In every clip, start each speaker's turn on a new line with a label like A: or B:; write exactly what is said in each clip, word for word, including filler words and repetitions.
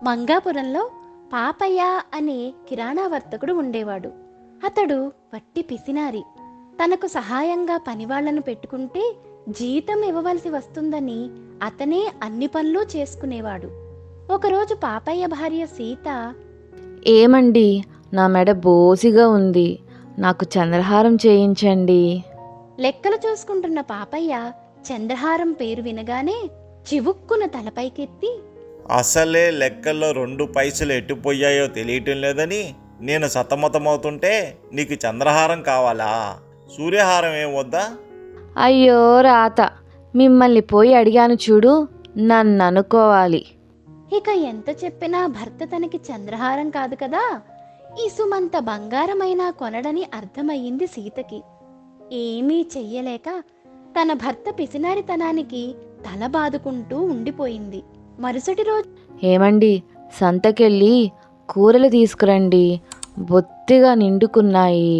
A: మంగాపురంలో పాపయ్య అనే కిరాణా వర్తకుడు ఉండేవాడు. అతడు వట్టి పిసినారి. తనకు సహాయంగా పనివాళ్లను పెట్టుకుంటే జీతం ఇవ్వవలసి వస్తుందని అతనే అన్ని పనులు చేసుకునేవాడు. ఒకరోజు పాపయ్య భార్య సీత,
B: ఏమండి, నా మెడ బోసిగా ఉంది, నాకు చంద్రహారం చేయించండి.
A: లెక్కలు చూసుకుంటున్న పాపయ్య చంద్రహారం పేరు వినగానే చివుక్కున తలపైకెత్తి,
C: అసలే లెక్కల్లో రెండు పైసలు ఎట్టుపోయాయో తెలియటం లేదని నేను సతమతమవుతుంటే నీకు చంద్రహారం కావాలా? సూర్యహారం ఏం వద్దా?
B: అయ్యో రాత, మిమ్మల్ని పోయి అడిగాను చూడు, నన్ను అనుకోవాలి.
A: ఇక ఎంత చెప్పినా భర్త తనకి చంద్రహారం కాదు కదా, ఈ సుమంత బంగారమైనా కొనడని అర్థమయ్యింది సీతకి. ఏమీ చెయ్యలేక తన భర్త పిసినారితనానికి తల బాదుకుంటూ ఉండిపోయింది. మరుసటి రోజు,
B: ఏమండి, సంతకెళ్ళి కూరలు తీసుకురండి, బొత్తిగా నిండుకున్నాయి.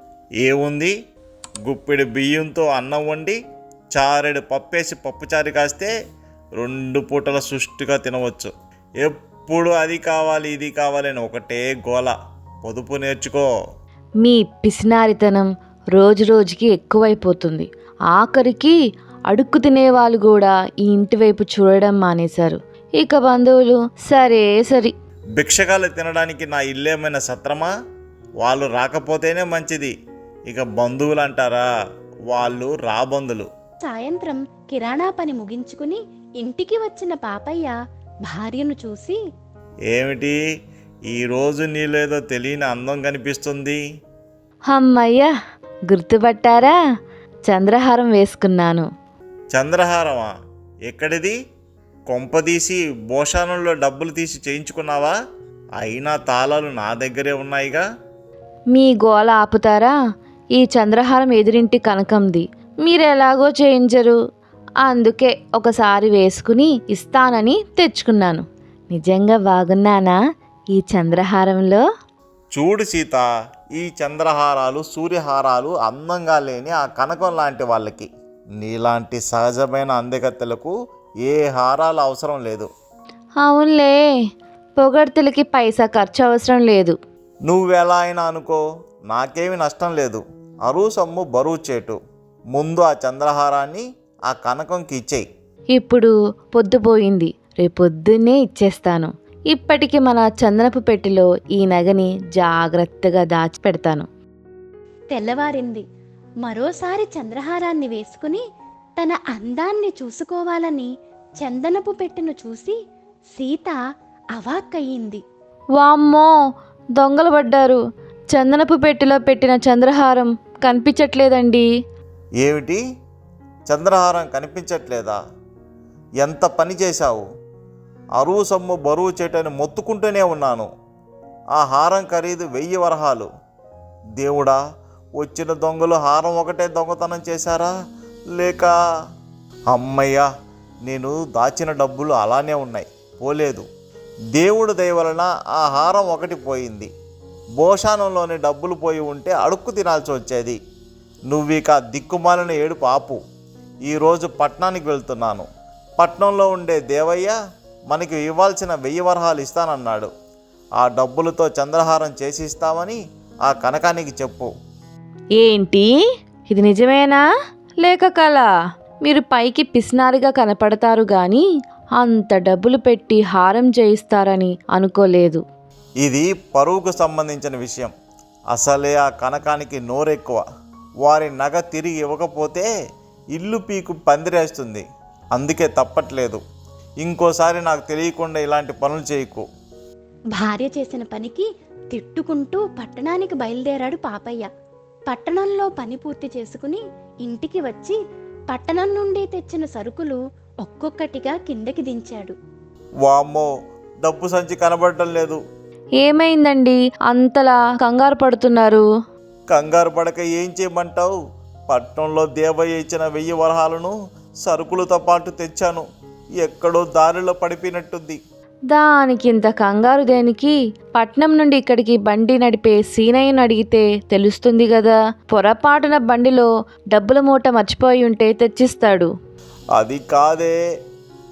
C: ఏముంది, గుప్పెడు బియ్యంతో అన్నం వండి చారెడు పప్పేసి పప్పుచారు కాస్తే రెండు పూటల సుష్టిగా తినవచ్చు. ఎప్పుడు అది కావాలి ఇది కావాలి అని ఒకటే గోల. పొదుపు నేర్చుకో.
B: మీ పిసినారితనం రోజు రోజుకి ఎక్కువైపోతుంది. ఆఖరికి అడుక్కు తినేవాళ్ళు కూడా ఈ ఇంటి వైపు చూడడం మానేశారు. ఇక బంధువులు సరే సరి.
C: భిక్షగాలు తినడానికి నా ఇల్లేమైనా సత్రమా? వాళ్ళు రాకపోతేనే మంచిది. ఇక బంధువులు అంటారా, వాళ్ళు రాబంధులు.
A: సాయంత్రం కిరాణా పని ముగించుకుని ఇంటికి వచ్చిన పాపయ్య భార్యను చూసి,
C: ఏమిటి ఈరోజు నీలేదో తెలియని అందం కనిపిస్తుంది?
B: అమ్మయ్య, గుర్తుపట్టారా? చంద్రహారం వేసుకున్నాను.
C: చంద్రహారమా? ఎక్కడిది? కొంపదీసి భోషానంలో డబ్బులు తీసి చేయించుకున్నావా? అయినా తాళాలు నా దగ్గరే ఉన్నాయిగా.
B: మీ గోల ఆపుతారా? ఈ చంద్రహారం ఎదురింటి కనకంది, మీరు ఎలాగో చేయించరు, అందుకే ఒకసారి వేసుకుని ఇస్తానని తెచ్చుకున్నాను. నిజంగా బాగున్నానా ఈ చంద్రహారంలో?
C: చూడు సీత, ఈ చంద్రహారాలు సూర్యహారాలు అందంగా లేని ఆ కనకం లాంటి వాళ్ళకి. నీలాంటి సహజమైన అందగత్తెలకు ఏ హారాలు అవసరం లేదు.
B: అవునులే, పొగడ్తలకి పైసా ఖర్చు అవసరం లేదు.
C: నువ్వెలా అయినా అనుకో, నాకేమి నష్టం లేదు. అరువు సొమ్ము బరువు చేటు. ముందు ఆ చంద్రహారాన్ని ఆ కనకంకి ఇచ్చేయి.
B: ఇప్పుడు పొద్దుపోయింది, రేపొద్దున్నే ఇచ్చేస్తాను. ఇప్పటికి మన చందనపు పెట్టెలో ఈ నగని జాగ్రత్తగా దాచిపెడతాను.
A: తెల్లవారింది. మరోసారి చంద్రహారాన్ని వేసుకుని తన అందాన్ని చూసుకోవాలని చందనపు పెట్టెను చూసి సీత అవాక్కయ్యింది.
B: వామ్మో, దొంగలు పడ్డారు. చందనపు పెట్టెలో పెట్టిన చంద్రహారం కనిపించట్లేదండి.
C: ఏమిటి, చంద్రహారం కనిపించట్లేదా? ఎంత పని చేశావు? అరువు సొమ్ము బరువు చేటని మొత్తుకుంటూనే ఉన్నాను. ఆ హారం ఖరీదు వెయ్యి వరహాలు. దేవుడా, వచ్చిన దొంగలు హారం ఒకటే దొంగతనం చేశారా, లేక? అమ్మయ్యా, నేను దాచిన డబ్బులు అలానే ఉన్నాయి, పోలేదు. దేవుడు దయ వలన ఆ హారం ఒకటి పోయింది. భోషానంలోని డబ్బులు పోయి ఉంటే అడుక్కు తినాల్సి వచ్చేది. నువ్విక దిక్కుమాలిన ఏడుపు ఆపు. ఈరోజు పట్నానికి వెళ్తున్నాను. పట్నంలో ఉండే దేవయ్య మనకి ఇవ్వాల్సిన వెయ్యి వరహాలు ఇస్తానన్నాడు. ఆ డబ్బులతో చంద్రహారం చేసి ఇస్తామని ఆ కనకానికి చెప్పు.
B: ఏంటి, ఇది నిజమేనా లేక కల? మీరు పైకి పిసినారిగా కనపడతారు గాని అంత డబ్బులు పెట్టి హారం చేయిస్తారని అనుకోలేదు.
C: ఇది పరువుకు సంబంధించిన విషయం. అసలే ఆ కనకానికి నోరెక్కువ. వారి నగ తిరిగి ఇవ్వకపోతే ఇల్లు పీకు పందిరేస్తుంది. అందుకే తప్పట్లేదు. ఇంకోసారి నాకు తెలియకుండా ఇలాంటి పనులు చేయకు.
A: భార్య చేసిన పనికి తిట్టుకుంటూ పట్టణానికి బయలుదేరాడు పాపయ్య. పట్టణంలో పని పూర్తి చేసుకుని ఇంటికి వచ్చి పట్టణం నుండి తెచ్చిన సరుకులు ఒక్కొక్కటిగా కిందకి దించాడు.
C: వామ్మో, డబ్బు సంచి కనబడటం లేదు.
B: ఏమైందండి అంతలా కంగారు పడుతున్నారు?
C: కంగారు పడక ఏం చేయమంటావు? పట్నంలో దేవయ్య ఇచ్చిన వెయ్యి వరహాలను సరుకులతో పాటు తెచ్చాను. ఎక్కడో దారిలో పడిపోయినట్టుంది.
B: దానికి ఇంత కంగారు దేనికి? పట్నం నుండి ఇక్కడికి బండి నడిపే సీనయ్యను అడిగితే తెలుస్తుంది కదా. పొరపాటున బండిలో డబ్బుల మూట మర్చిపోయి ఉంటే తెచ్చిస్తాడు.
C: అది కాదే,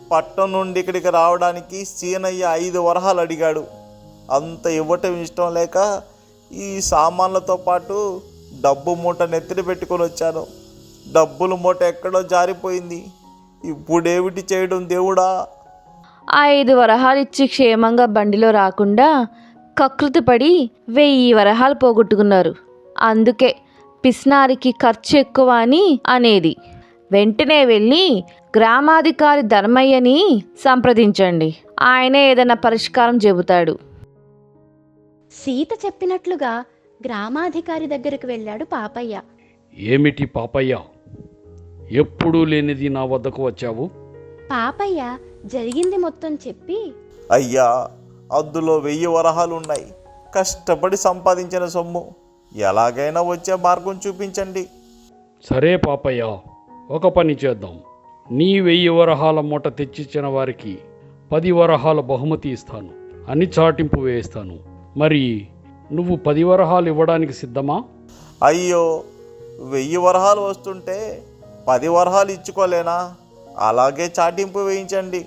C: పట్టణం నుండి ఇక్కడికి రావడానికి సీనయ్య ఐదు వరహాలు అడిగాడు. అంత ఇవ్వటం ఇష్టం లేక ఈ సామాన్లతో పాటు డబ్బు మూట నెత్తిన పెట్టుకొని వచ్చాను. డబ్బుల మూట ఎక్కడో జారిపోయింది. ఇప్పుడేమిటి చేయడం దేవుడా?
B: ఆ ఐదు వరహాలు ఇచ్చి క్షేమంగా బండిలో రాకుండా కకృతి పడి వెయ్యి వరహాలు పోగొట్టుకున్నారు. అందుకే పిస్నారికి ఖర్చు ఎక్కువ అని అనేది. వెంటనే వెళ్ళి గ్రామాధికారి ధర్మయ్యని సంప్రదించండి. ఆయనే ఏదైనా పరిష్కారం చెబుతాడు.
A: సీత చెప్పినట్లుగా గ్రామాధికారి దగ్గరకు వెళ్ళాడు పాపయ్య.
D: ఏమిటి పాపయ్య, ఎప్పుడూ లేనిది నా వద్దకు వచ్చావు?
A: పాపయ్య జరిగింది మొత్తం చెప్పి,
C: అయ్యా, అందులో వెయ్యి వరహాలు ఉన్నాయి. కష్టపడి సంపాదించిన సొమ్ము. ఎలాగైనా వచ్చే మార్గం చూపించండి.
D: సరే పాపయ్య, ఒక పని చేద్దాం. నీ వెయ్యి వరహాల మూట తెచ్చిచ్చిన వారికి పది వరహాల బహుమతి ఇస్తాను అని చాటింపు వేస్తాను. మరి నువ్వు పది వరహాలు ఇవ్వడానికి సిద్ధమా?
C: అయ్యో, వెయ్యి వరహాలు వస్తుంటే పది వరహాలు ఇచ్చుకోలేనా? అలాగే చాటింపు వేయించండి.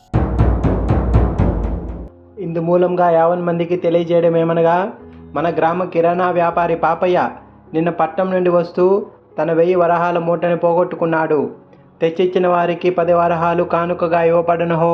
E: ఇందు మూలంగా యావన్ మందికి తెలియజేయడం ఏమనగా, మన గ్రామ కిరాణా వ్యాపారి పాపయ్య నిన్న పట్నం నుండి వస్తూ తన వెయ్యి వరహాల మూటని పోగొట్టుకున్నాడు. తెచ్చిచ్చిన వారికి పది వరహాలు కానుకగా ఇవ్వబడనుహో.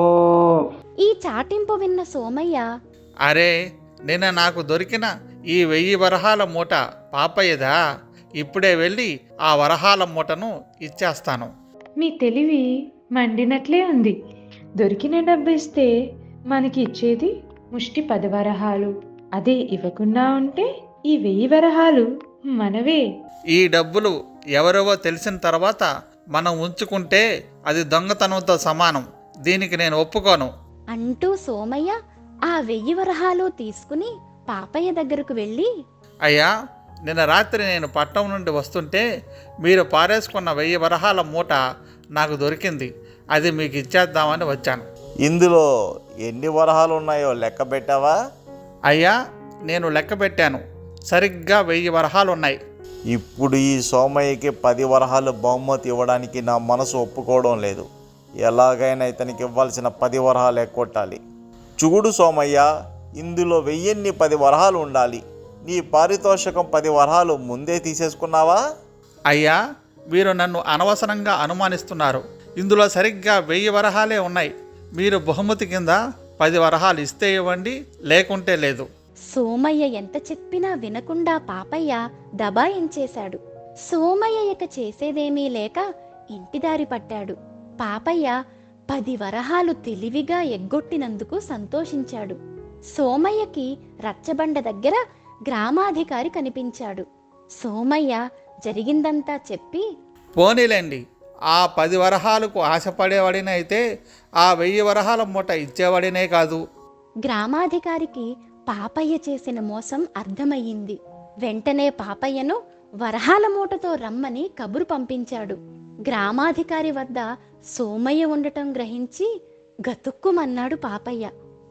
A: ఈ చాటింపు విన్న సోమయ్య,
F: అరే, నిన్న నాకు దొరికిన ఈ వెయ్యి వరహాల మూట పాపయ్యదా? ఇప్పుడే వెళ్ళి ఆ వరహాల మూటను ఇచ్చేస్తాను.
G: మీ తెలివి మండినట్లే ఉంది. దొరికిన డబ్బు ఇస్తే మనకి ఇచ్చేది ముష్టి పది వరహాలు. అదే ఇవ్వకుండా ఉంటే ఈ వెయ్యి వరహాలు మనవే.
F: ఈ డబ్బులు ఎవరెవో తెలిసిన తర్వాత మనం ఉంచుకుంటే అది దొంగతనంతో సమానం. దీనికి నేను ఒప్పుకోను
A: అంటూ సోమయ్య ఆ వెయ్యి వరహాలు తీసుకుని పాపయ్య దగ్గరకు వెళ్ళి,
F: అయ్యా, నిన్న రాత్రి నేను పట్టణం నుండి వస్తుంటే మీరు పారేసుకున్న వెయ్యి వరహాల మూట నాకు దొరికింది. అది మీకు ఇచ్చేద్దామని వచ్చాను.
C: ఇందులో ఎన్ని వరహాలు ఉన్నాయో లెక్క పెట్టావా?
F: అయ్యా, నేను లెక్క పెట్టాను. సరిగ్గా వెయ్యి వరహాలు ఉన్నాయి.
C: ఇప్పుడు ఈ సోమయ్యకి పది వరహాలు బహుమతి ఇవ్వడానికి నా మనసు ఒప్పుకోవడం లేదు. ఎలాగైనా ఇతనికి ఇవ్వాల్సిన పది వరహాలు ఎక్కొట్టాలి. చూడు సోమయ్య, ఇందులో వెయ్యిన్ని పది వరహాలు ఉండాలి. నీ పారితోషికం పది వరహాలు ముందే తీసేసుకున్నావా?
F: అయ్యా, మీరు నన్ను అనవసరంగా అనుమానిస్తున్నారు. ఇందులో సరిగ్గా వెయ్యి వరహాలే ఉన్నాయి. మీరు బహుమతి కింద పది వరహాలు ఇస్తే ఇవ్వండి, లేకుంటే లేదు.
A: సోమయ్య ఎంత చెప్పినా వినకుండా పాపయ్య దబాయించేశాడు. సోమయ్య ఇక చేసేదేమీ లేక ఇంటిదారి పట్టాడు. పాపయ్య పది వరహాలు తెలివిగా ఎగ్గొట్టినందుకు సంతోషించాడు. సోమయ్యకి రచ్చబండ దగ్గర గ్రామాధికారి కనిపించాడు. సోమయ్య జరిగిందంతా చెప్పి,
F: పోనీలేండి, ఆ పది వరహాలకు ఆశపడేవాడినైతే ఆ వెయ్యి వరహాల మూట ఇచ్చేవాడినే కాదు.
A: గ్రామాధికారికి పాపయ్య చేసిన మోసం అర్థమయ్యింది. వెంటనే పాపయ్యను వరహాల మూటతో రమ్మని కబురు పంపించాడు. గ్రామాధికారి వద్ద సోమయ్య ఉండటం గ్రహించి గతుక్కుమన్నాడు పాపయ్య.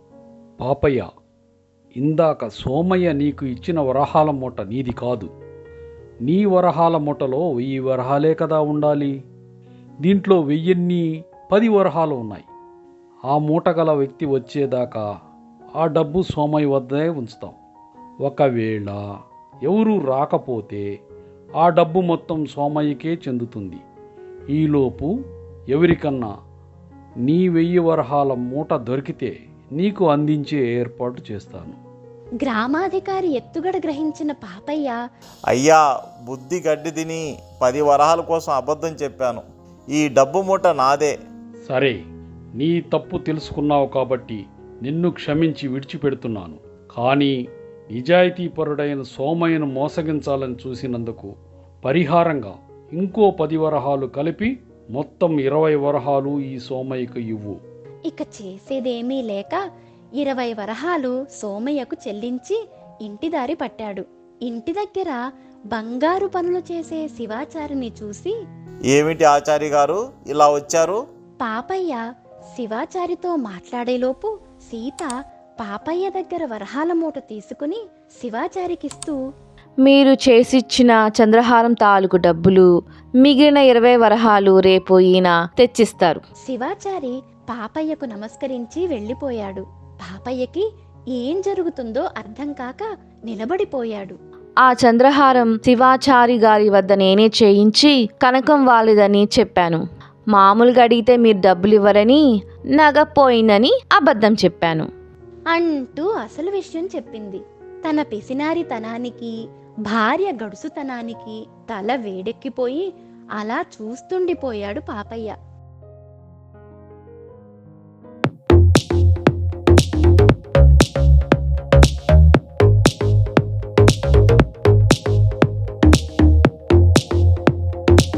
D: పాపయ్య, ఇందాక సోమయ్య నీకు ఇచ్చిన వరహాల మూట నీది కాదు. నీ వరహాల మూటలో వెయ్యి వరహాలే కదా ఉండాలి. దీంట్లో వెయ్యిన్ని పది వరహాలు ఉన్నాయి. ఆ మూట గల వ్యక్తి వచ్చేదాకా ఆ డబ్బు సోమయ్య వద్దే ఉంచుతాం. ఒకవేళ ఎవరూ రాకపోతే ఆ డబ్బు మొత్తం సోమయ్యకే చెందుతుంది. ఈలోపు ఎవరికన్నా నీ వెయ్యి వరహాల మూట దొరికితే నీకు అందించే ఏర్పాటు చేస్తాను.
A: గ్రామాధికారి ఎత్తుగడ గ్రహించిన పాపయ్య,
C: అయ్యా, బుద్ధి గడ్డి తిని పది వరహాల కోసం అబద్ధం చెప్పాను. ఈ డబ్బు మూట నాదే.
D: సరే, నీ తప్పు తెలుసుకున్నావు కాబట్టి నిన్ను క్షమించి విడిచిపెడుతున్నాను. కానీ నిజాయితీపరుడైన సోమయ్యను మోసగించాలని చూసినందుకు పరిహారంగా ఇంకో పది వరహాలు కలిపి మొత్తం ఇరవై వరహాలు ఈ సోమయ్యకు ఇవ్వు.
A: ఇక చేసేదేమీ లేక ఇరవై వరహాలు సోమయ్యకు చెల్లించి ఇంటిదారి పట్టాడు. ఇంటి దగ్గర బంగారు పనులు చేసే శివాచారిని చూసి,
C: ఏమిటి ఆచారి గారు ఇలా వచ్చారు?
A: పాపయ్య శివాచారితో మాట్లాడేలోపు సీత పాపయ్య దగ్గర వరహాల మూట తీసుకుని శివాచారికిస్తూ,
B: మీరు చేసిచ్చిన చంద్రహారం తాలూకు డబ్బులు మిగిలిన ఇరవై వరహాలు రేపు ఈయన తెచ్చిస్తారు.
A: శివాచారి పాపయ్యకు నమస్కరించి వెళ్ళిపోయాడు. పాపయ్యకి ఏం జరుగుతుందో అర్థం కాక నిలబడిపోయాడు.
B: ఆ చంద్రహారం శివాచారి గారి వద్ద నేనే చేయించి కనకం వాలేదని చెప్పాను. మామూలుగా అడిగితే మీరు డబ్బులు ఇవ్వరని, నగ పోయిందని అబద్ధం చెప్పాను
A: అంటూ అసలు విషయం చెప్పింది. తన పిసినారితనానికి, భార్య గడుసుతనానికి తల వేడెక్కిపోయి అలా చూస్తుండిపోయాడు పాపయ్య.